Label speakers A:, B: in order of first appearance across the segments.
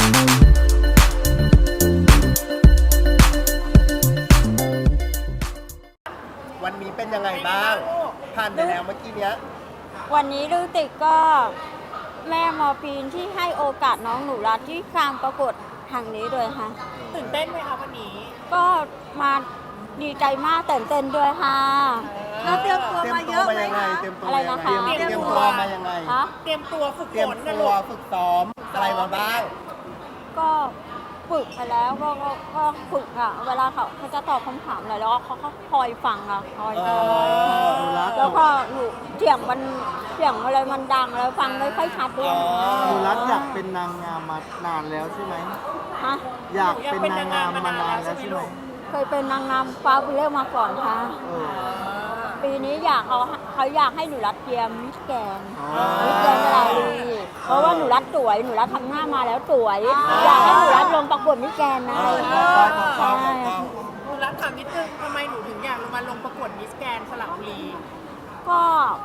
A: วันนี้เป็นยังไงบ้างผ่านไปแล้วเมื่อกี้เนี้ย
B: วันนี้รู้สึกก็แม่มอปีนที่ให้โอกาสน้องหนูรัตที่การประกวดทางนี้ด้วยค่ะ
C: ตื่นเต้นไหมคะวันนี้
B: ก็มาดีใจมากตื่นเต้นด้วยค่ะ
C: เราเตรียมตัวมาเยอะไหมคะ
B: อะไรนะคะ
A: เตรียมตัวมายังไง
C: เตรียมตัวฝึกฝนนะลูก
A: ฝึกซ้อมอะไรมาบ้าง
B: ก็ฝึกไปแล้วก็ฝึกอ่ะเวลาเขาจะตอบคำถามอะไรแล้วเขาคอยฟังอ่ะคอยฟังแล้วก็หนูเสียงอะไรมันดังแล้วฟังไม่ค่อยชัดด้วย
D: หนูรัตอยากเป็นนางงามมานานแล้วใช่ไหม
B: ฮะ
D: อยากเป็นนางงามมานานแล้วใช่ไหม
B: เคยเป็นนางงามฟ้าวิเล่มาก่อนค่ะปีนี้เขาอยากให้หนูรัตเตรียมมิสแกนอะไรเพราะว่าหนูรัตสวยหนูรัตทำหน้ามาแล้วสวยอยากให้หนูรัตลงประกวดมิสแกนนะ
C: ใช่หนูรัตถามนิดนึงทำไมหนูถึงอยากมาลงประกวดมิสแกนสระบุรี
B: ก็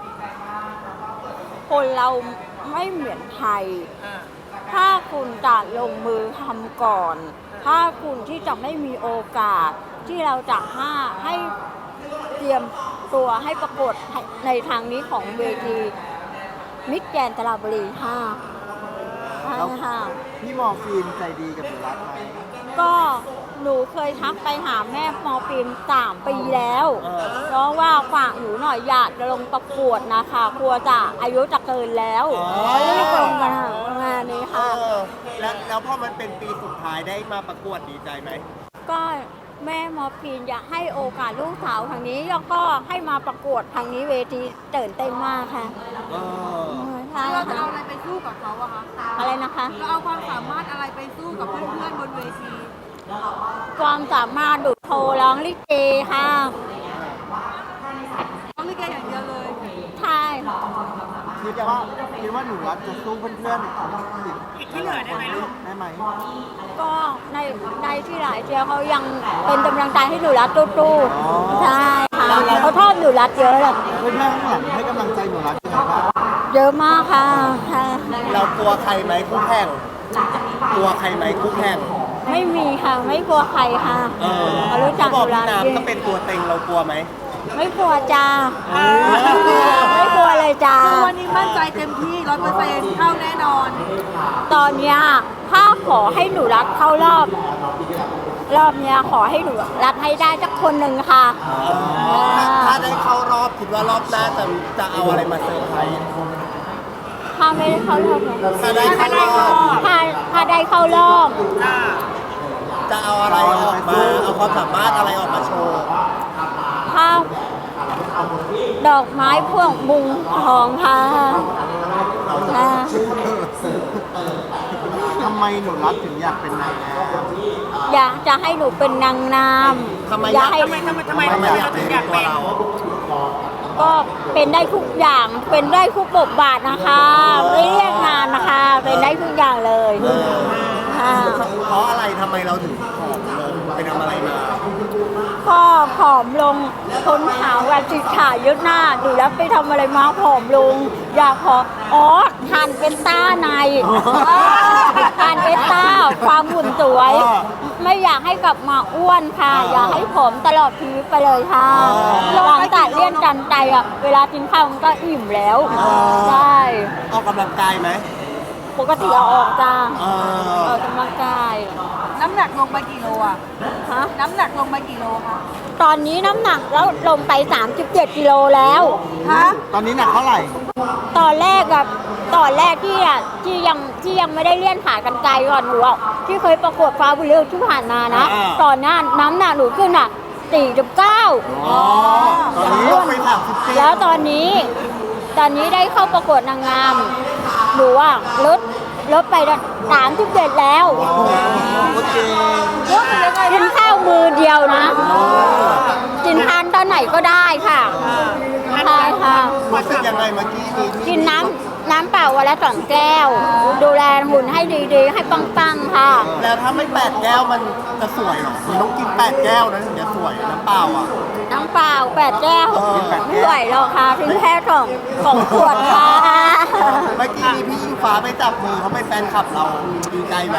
B: คนเราไม่เหมือนไทยถ้าคุณจะลงมือทำก่อนถ้าคุณที่จะไม่มีโอกาสที่เราจะให้เตรียมตัวให้ประกวดในทางนี้ของเวทีมิสแกรนด์สระบุรีค่ะ
D: พี่มอฟินใจดีกับหนูรัตไหม
B: ก็หนูเคยทักไปหาแม่มอฟิน3 ปีแล้วเพราะว่าฝากหนูหน่อยอยากจะลงประกวดนะคะกลัวจะอายุจะเกินแล้วรีบลงมางานนี้ค่ะ
A: แล้วพอมันเป็นปีสุดท้ายได้มาประกวดดีใจไหม
B: ก็แม่มอปีนอยากให้โอกาสลูกสาวทางนี้แล้วก็ให้มาประกวดทางนี้เวทีตื่นเต้นมากค่ะ
C: เราจะเอาอะไรไปสู้กับเขาอะคะ
B: อะไรนะคะ
C: เราเอาความสามารถอะไรไปสู้กับเพื่อนๆบนเวที
B: ความสามารถดูโชว์ร้องลิเกค่ะ
C: ร้องลิเกอย่างเดียวเลย
B: ใช่
D: คิดว่าหนูรัตจะสู้เพื่อนๆ
C: อีกที่เหลือได้ไหมลูก
D: ได้ไหม
B: ก็ในที่หลายเจ้าเขายังเป็นกำลังใจให้หนูรัตตู้ใช่ค่ะเขาชอบหนูรัตเยอะเลย
D: เพื่อนๆข้างหลังให้กำลังใจหนูรัตยังไงบ้าง
B: เยอะมากค่ะ
A: เรากลัวใครไหมคู่แข่งกลัวใครไหมคู่แข่ง
B: ไม่มีค่ะไม่กลัวใครค่ะ
A: เขารู้จักหนูรัตก็เป็นตัวเต็งเรากลัวไหม
B: ไม่กลัวจ้าไม่กลัวเลยจ้า
C: วันนี้มั่นใจเต็มที่100%เข้าแน่นอน
B: ตอนนี้ถ้าขอให้หนูรัตเข้ารอบนี้ขอให้หนูรัตให้ได้สักคนหนึ่งค่ะ
A: ถ้าได้เข้ารอบคิดว่ารอบหน้าจะเอาอะไรมาเซอร์ไพรส์
B: ถ้าไม่ได้เข้ารอบ
A: ถ้าได้เข้ารอบ
B: ถ้าได้เข้ารอบ
A: จะเอาอะไรออกมาเอาความสามารถอะไรออกมาโชว์
B: ถ้าดอกไม้พวกมุงทองค่ะ
D: ทำไมหนูรัตถึงอยากเป็นนางงาม
B: อยากจะให้หนูเป็นนางงาม
A: ทำไมอยากเป็นตัวเรา
B: ก็เป็นได้ทุกอย่างเป็นได้ทุกบทบาทนะคะไม่เรียกงานนะคะเป็นได้ทุกอย่างเลย
A: เพราะอะไรทำไมเราถึงผอมลงไปทำอะไรมา
B: ก็ผอมลงคนถามว่าจิตขายึดหน้าดูแล้วไปทำอะไรมาผอมลงอยากทานเป็นต้าในทานเป็นต้าความหุ่นสวยไม่อยากให้กลับมาอ้วนค่ะอยากให้ผอมตลอดชีวิตไปเลยค่ะหลังจากเลี้ยงจันใจอ่ะเวลากินข้าวมันก็อิ่มแล้วใช่
A: ออกกำลังกายไหม
B: ปกติเอาออกจ้าออกกำลังกาย
C: น้ำหนักลงไปกี่โลอ่ะน้ำหนักลงไปกี่โลคะ
B: ตอนนี้น้ำหนักแล้วลงไป37 กิโลแล้ว
D: ตอนนี้หนักเท่าไหร่
B: ตอนแรกที่ยังไม่ได้เลี่ยนขากันไกลก่อนหนูที่เคยประกวดฟ้าบุญเรืองที่ผ่านมานะตอนนั้นน้ำหนักหนูขึ้น49
A: ตอนนี้ลงไป34
B: แล้วตอนนี้ได้เข้าประกวดนางงามหนูลดไป37แล้วกินข้าวมือเดียวนะกินทานตอนไหนก็ได้ค่ะ
A: ใช่ค่ะรู้สึกยังไงเมื่อกี้
B: กินน้ำเปล่าวันละ2 แก้วดูแลหุ่นให้ดีๆให้ปังๆค่ะ
A: แล้วถ้าไม่8 แก้วมันจะสวยหรอมันต้องกิน8 แก้วนะถึงจะสวยน้ำเปล่าอ่ะ
B: น้ำเปล่า8 แก้วไม่ไหวหรอกค่ะถึงแค่2 ขวดค่ะ
A: เมื่อกี้พี่อิงฟ้าไปจับมือเขาเป็นแฟนคลับเราดีใจไหม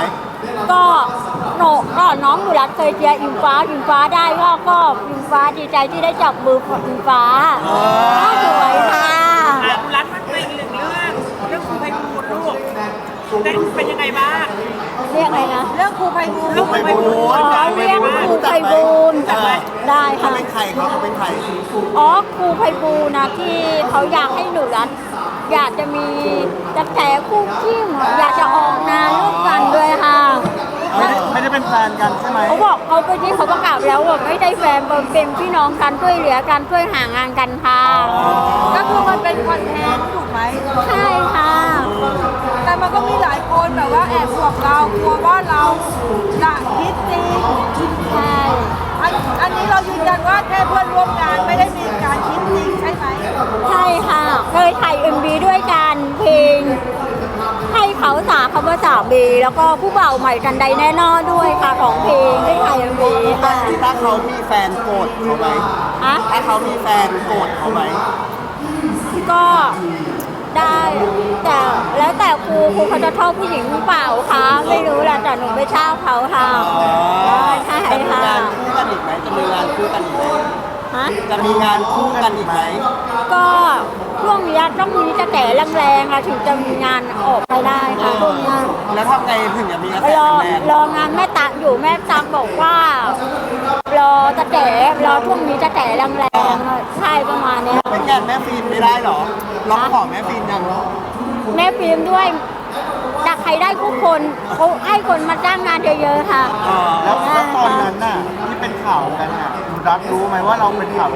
B: ก็โหนก็น้องหนูรักเคยเชียร์อิงฟ้าได้ก็อิงฟ้าดีใจที่ได้จับมือกับอิงฟ้าสวยค่ะ
C: หนูรัฐมันเป็นอีกหนึ่งเรื่องครูไพบูลย์ลูกเป็นยังไงบ้าง
B: เรียกอะไรนะ
C: เรื่องครูไพบูลย์
A: ครูไพบูลย์
B: อ๋อเรียกครูไพบูลย์ได้
A: เขา
B: ค่ะ
A: เป็นใครเขาเป็นใคร
B: อ๋อครูไพบูลย์นะที่เขาอยากให้หนูรัฐอยากจะมีจะแถคู่จิ้มอยากจะออกงานร่วมกันด้วยค่ะ
D: ไม่ได้เป็นแฟนกันใช่ไหม
B: เขาบอกเขาไปที่เขาประกาศแล้วว่าไม่ได้แฟนเป็นพี่น้องกันช่วยเหลือกันช่วยหางานกันค่ะ
C: ก็คือมันเป็นคอนเทนต์ถูกไหม
B: ใช่ค่ะ
C: แต่มันก็มีหลายคนแบบว่าแอบห่วงเรากลัวว่าเราจะคิดจริง
B: ใช่
C: อันนี้เรายืนยันว่าแค่เพื่อนร่วมงานไม่ได้มีการคิดจริงใช่ไหม
B: ใช่ค่ะ เคยถ่าย MV ด้วยกันเพลงให้เขาสาคำว่าสามีแล้วก็ผู้บ่าวใหม่กันใดแน่นอนด้วยค่ะของเพลงได้ถ่าย MV ค่ะ
A: ถ้าเขามีแฟนโกรธเขาไหม
B: ฮะ
A: ถ้าเขามีแฟนโกรธเขาไหม
B: ก็ได้แต่แล้วแต่ครูเขาจะชอบผู้หญิงหรือเปล่าคะไม่รู้แหละแต่หนูไม่ชอบเขาค่ะใช่
A: จะมี
B: ค่ะ
A: งานคู่กันอีกไหมจะมีงานคู่กันอีกไหม
B: ฮะ
A: จะมีงานคู่กันอีกไหม
B: ก็ช่วงนี้ต้องมีกระแสแรงๆอะถึงจะมีงานออกไปได้ค่ะช่วงนี้
A: แล้วทำไงถึงจะมีกระแส
B: รอ
A: แรง
B: รองานแม่ตักอยู่แม่ตักบอกว่ารอกระแสรอช่วงนี้กระแสแรงๆใช่ประมาณเนี้ย
A: ไปแก้แม่ฟิล์มไม่ได้หรอร้องขอแม่ฟิล์มยัง
B: แม่ฟิล์มด้วยจากใครได้ทุกคนเขาให้คนมาจ้างงานเยอะๆค่ะ
D: แล้วตอนนั้นน่ะที่เป็นข่าวกันน่ะคุณรักรู้ไหมว่าเราเป็นข่าว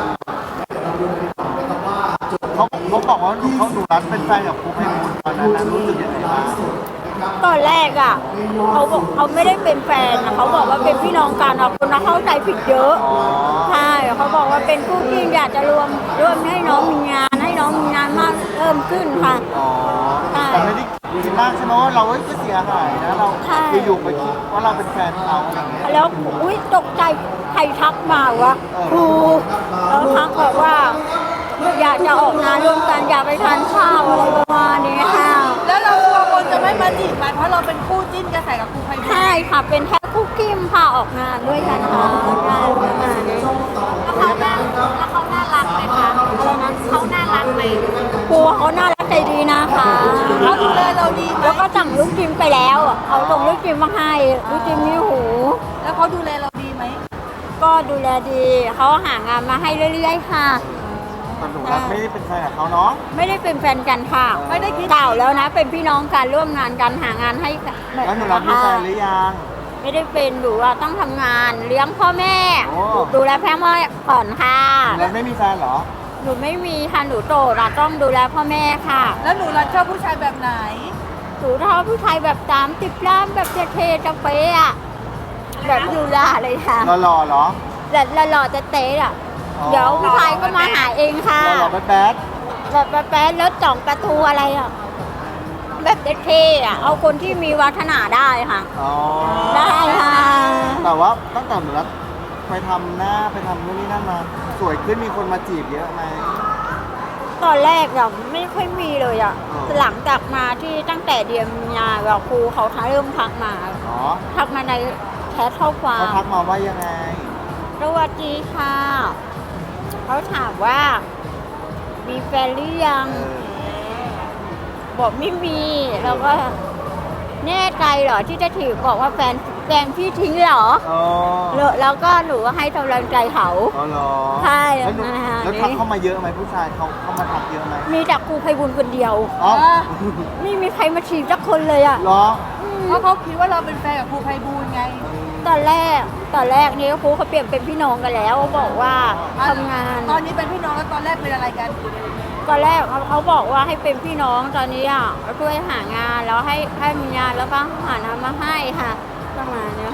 D: เขาบอกว่าเขาหนูรักเป็นแฟนกับครูไพบูลย์ตอนนั้นนะรู้สึกยังไงบ้าง
B: ตอนแรกอ่ะเขาบอกเขาไม่ได้เป็นแฟนนะเขาบอกว่าเป็นพี่น้องกันอะคนเข้าใจผิดเยอะใช่เขาบอกว่าเป็นคู่จิ้นอยากจะรวมให้น้องมีงานให้น้องมีงานมากเพิ่มขึ้นค่ะ
D: อ๋อแต่ไม่ได้คิดมากใช่ไหมว่าเราก็เสียหายนะเรา
B: ใช่
D: อยู่ๆไปคิดว่าเราเป็นแฟนเขาอะไรอย่างเงี้ย
B: แล้วอุ้ยตกใจใครทักมาวะครูแล้วทักบอกว่า อยากจะออกงานร่วมกันอยากไปทานข้าวอะไรประมาณนี้ค่ะ
C: แล้วเรากลัวคนจะไม่มาจีบมันเพราะเราเป็นคู่จิ้นกระแสกับครูไพบูลย์
B: ใช่ค่ะเป็นแค่คู่กิ้มค่ะออกงานด้วยกันค่ะใช่ประมาณนี้แล้วเขาน่ารักไหมคะอะไรนะเขาน่ารักไหมครูเขาน่ารักใจดีนะคะ
C: เขาดูแลเราดีไหม
B: แล้วก็สั่งลูกจิมไปแล้วเอาส่งลูกจิมมาให้ลูกจิมมีหู
C: แล้วเขาดูแลเราดีไหม
B: ก็ดูแลดีเขาหางานมาให้เรื่อยๆค่ะ
D: แต่หนูรักไม่ได้เป็นแฟนกับเขาเนาะ
B: ไม่ได้เป็นแฟนกันค่ะ
C: ไม่ได้คิด
B: เก่าแล้วนะ เป็นพี่น้องกันร่วมงานกันหางานให้กัน
D: แล้วหนูรักมีแฟนหรือยัง
B: ไม่ได้เป็นหนูว่าต้องทำงานเลี้ยงพ่อแม่
D: โอ้
B: ดูแลพ่อแม่ก่อนค่ะ
D: หนูรักไม่มีแฟนเหรอ
B: หนูไม่มีค่ะหนูโตเราต้องดูแลพ่อแม่ค่ะ
C: แล้วหนูรักชอบผู้ชายแบบไหน
B: หนูชอบผู้ชายแบบ30 ล้านแบบเท่ๆจะเป๊ะอะแบบยูราเลยค่ะ
D: หล่อๆเหรอ
B: แบบหล่อๆจะเต๊ะอะ
D: อ๋อ
B: เดี๋ยวผู้ชายก็มาหาเองค่ะ
D: หล่อๆแบด
B: แบบแป๊ะๆรถจ่องประตูอะไรอะแบบเท่ๆอะเอาคนที่มีวัฒนาได้ค่ะ
D: ๆอ๋อ
B: ได้ค่ะ
D: แต่ว่าตั้งแต่หนูรักไปทำหน้าไปทำนู่นนี่นั่นมา สวยขึ้นมีคนมาจีบเยอะไหม
B: ตอนแรกอะไม่ค่อยมีเลยอะ
D: อ๋อ
B: หลังจากมาที่ตั้งแต่เดือนมีนาแบบครูเขาเริ่มทักมา
D: อ๋อ
B: ทักมาในแชทข้อความ
D: เขาทักมาว่ายังไง
B: สวัสดีค่ะเขาถามว่า มีแฟนหรือยัง บอกไม่มีแล้วก็แน่ใจเหรอที่จะถือบอกว่าแฟนพี่ทิ้งเหรอ
D: อ๋อ
B: แล้วก็หนูก็ให้กำลังใจเขา
D: อ๋อเหรอ
B: ใช่
D: แล้วหนู
B: นะคะ
D: แล้วทักเข้ามาเยอะไหมผู้ชายเขาเข้ามาทักเยอะไหม
B: มีแต่ครูไพบุญคนเดียว
D: อ๋อ
B: ไม่มีใครมาฉีดสักคนเลยอะ
D: เหรอ
C: เพราะเขาคิดว่าเราเป็นแฟนกับครูไพบูลย์ไง
B: ตอนแรกนี่ครูเขาเปลี่ยนเป็นพี่น้องกันแล้วบอกว่าทำงาน
C: ตอนนี้เป็นพี่น้องแล้วตอนแรกเป็นอะไรกัน
B: ตอนแรกเขาบอกว่าให้เป็นพี่น้องตอนนี้อ่ะช่วยหางานแล้วให้มีงานแล้วก็หางานมาให้ค่ะประมาณเนี้ย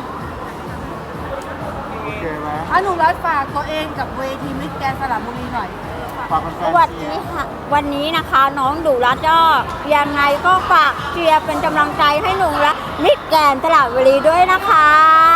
D: โอเคไหม
C: หนูรัฐฝากตัวเองกับเวทีมิสแกรนด์สระบุรีหน่อย
D: ฝากแฟน
B: สวัส
D: ๆเชี
B: ดี
D: ยร์
B: ค่ะวันนี้นะคะน้องดูรัตก็ยังไงก็ฝากเชียร์เป็นกำลังใจให้หนูรัตมิตรแกรนด์สระบุรีด้วยนะคะ